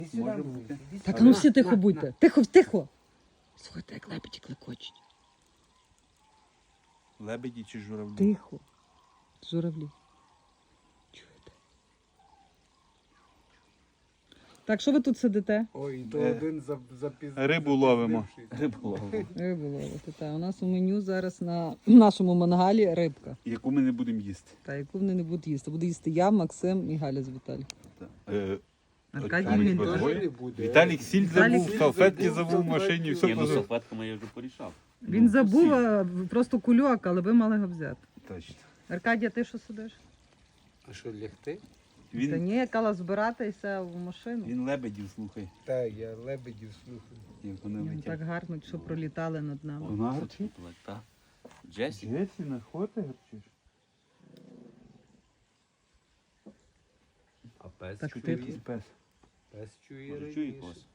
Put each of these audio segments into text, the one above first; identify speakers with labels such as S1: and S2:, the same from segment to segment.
S1: Може бути.
S2: Так, а ну всі тихо будьте. Тихо, тихо. Слухайте, як лебеді клекочуть.
S1: Лебеді чи журавлі?
S2: Тихо. Журавлі. Чуєте? Так, що ви тут сидите?
S3: Ой, то один запізнився.
S1: Рибу ловимо. Рибу ловимо.
S2: Рибу ловите. Та, у нас у меню зараз на нашому мангалі рибка.
S1: Яку ми не будемо їсти.
S2: Та, яку вони не будуть їсти. Буду їсти я, Максим і Галя з Віталієм. Аркадій
S1: Віталік
S2: він
S1: буде.
S2: теж.
S3: Теж не буде.
S1: Віталік сіль
S2: Віталік
S1: забув, салфетки
S3: забув,
S1: забув в машині, все
S4: Ні, ну
S1: позабув.
S4: салфетками я вже порішав.
S2: Він забув просто кульок, але ви мали його взяти.
S1: Точно.
S2: Аркадія, ти що сидиш?
S3: А що, лягти?
S2: Та
S1: Він,
S2: ні, кала збиратися в машину.
S1: він лебедів слухай,
S3: Так, я лебедів слухаю.
S1: як вони
S2: Ні, ну
S1: летять.
S2: так гарно, що пролітали над нами.
S1: Вона гарчить?
S4: Так. Джесі?
S1: Джесі, на хоти гарчиш?
S3: А пес
S2: Так
S3: чує?
S2: ти-
S1: Пес.
S3: Пес чує
S4: Може, чує
S3: раніше.
S4: когось?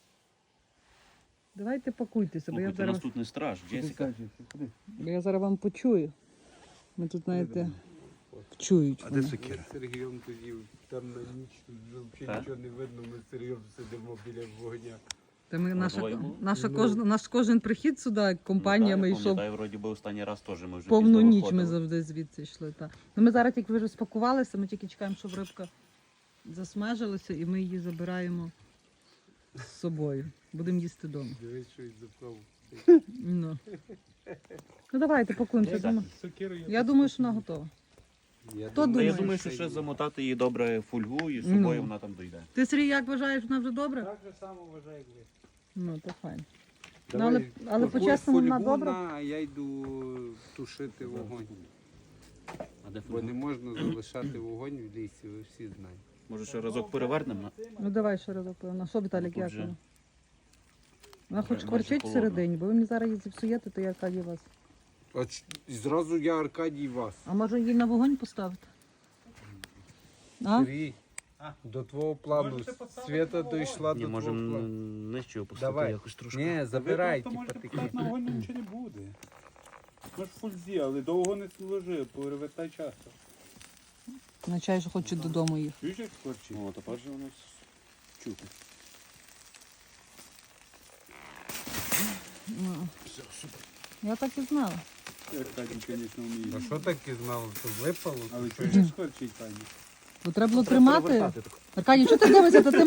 S2: Давайте пакуйтеся, бо я
S4: Слухайте, у нас
S2: зараз,
S4: тут не страж. Джесіка.
S2: бо я зараз вам почую. Ми тут, знаєте, вчують.
S1: А де
S2: мене.
S1: сокира?
S3: Ми з Сергієм тоді там на ніч тут взагалі
S4: Так?
S3: нічого не видно, ми з Сергієм сидимо біля вогня.
S2: Та ми,
S4: двоє було?
S2: наш кожен прихід сюди компаніями йшов.
S4: Пам'ятаю, вроді би останній раз теж ми вже
S2: Повну
S4: пізно
S2: ніч ми
S4: виходили.
S2: завжди звідси йшли. Та. Ну, ми зараз тільки вже спакувалися, ми тільки чекаємо, щоб рибка засмажилася, і ми її забираємо з собою. Будемо їсти вдома.
S3: Дивись, що й запав.
S2: Ну, ну давайте пакуємося.
S3: Сокирою.
S2: Я думаю, що вона готова. Хто
S4: Та
S2: думає?
S4: я думаю, що ще замотати її добре фольгу і з собою
S2: Ну.
S4: вона там дойде.
S2: Ти, Сергій, як вважаєш, вона вже добре?
S3: Так же само вважає, як ви.
S2: Ну, то файно. Ну,
S3: Давай,
S2: але
S3: купуй
S2: по-чесному вона
S3: фольгу
S2: добра?
S3: на, а я йду тушити вогонь.
S4: А де
S3: Бо не
S4: фольга?
S3: можна залишати вогонь в лісі, ви всі знаєте.
S4: Може ще разок перевернемо?
S2: Ну давай ще раз опевно. Що, Віталік,
S4: Тут
S2: як
S4: же
S2: воно? Вона хоч
S4: майже
S2: кварчить
S4: холодно.
S2: всередині, бо ви мені зараз її зіпсуєте, то я Аркадій вас.
S3: І зразу я Аркадій вас.
S2: А може її на вогонь поставити? А?
S3: Сергій, до твого плану. Свята дійшла
S4: Ні,
S3: до твого
S4: можемо
S3: плану.
S4: нижче опустити
S3: Давай.
S4: якось трошки.
S3: Ні, забирай,
S1: То
S3: типа
S1: можете
S3: такі.
S1: поставити на вогонь, нічого не буде. Ми ж в фульзі, але довго не служи, перевертай часто.
S2: Означає, що хочу додому їх.
S1: Чуєш, як скорчить?
S4: О, тепер же воно чути.
S2: Ну. Я так і знала.
S1: Аркадій, звісно,
S3: А
S1: вміє.
S3: що таке знало? То випало?
S1: Але чуєш, як скорчить, пані?
S2: Бо треба було
S4: Треба
S2: тримати.
S4: перевертати тако.
S2: Аркадій, що ти дивишся? То ти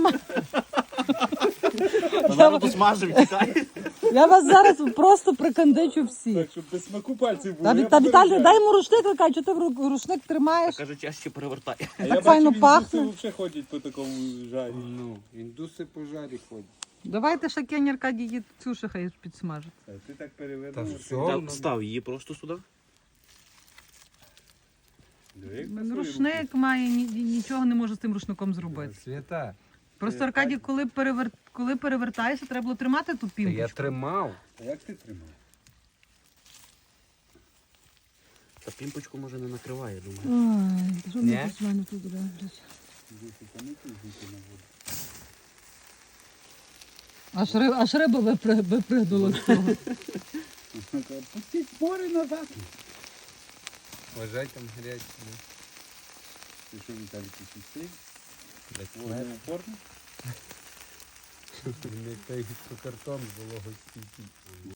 S4: Та зараз посмажив, тікає.
S2: Я вас зараз просто прикандичу всі.
S1: Так, щоб без смаку пальців було.
S2: Та Віталій, дай йому рушник, Аркадій, що ти рушник тримаєш?
S4: Каже, чаще перевертай.
S1: А я
S2: так
S1: бачу,
S2: файно
S1: індуси
S2: пахне.
S1: взагалі ходять по такому жарі.
S3: Ну, індуси по жарі ходять.
S2: Давайте ще Кені Аркадій її цю ще хай підсмажить.
S1: А ти так
S3: Та
S1: перевернув.
S3: все.
S4: Так, став її просто сюди.
S2: Рушник має, нічого не може з тим рушником зробити.
S3: Свята,
S2: Просто Аркадій, коли перевертаєшся, треба було тримати ту
S3: та я
S2: пімпочку.
S3: тримав.
S1: А як ти тримав?
S4: Та пімпочку може не накриває, думаю.
S2: Ой, що
S3: Ні?
S2: мені з мене тут роблять?
S1: Діти, та не пізніше на воду.
S2: Аж риба випригнула з того.
S1: Пустіть спори назад.
S3: Вважай там гарячі.
S1: Ти що, Віталій, ти сісти?
S3: Так,
S1: Воно упорно?
S3: не той, що картон було гостіть.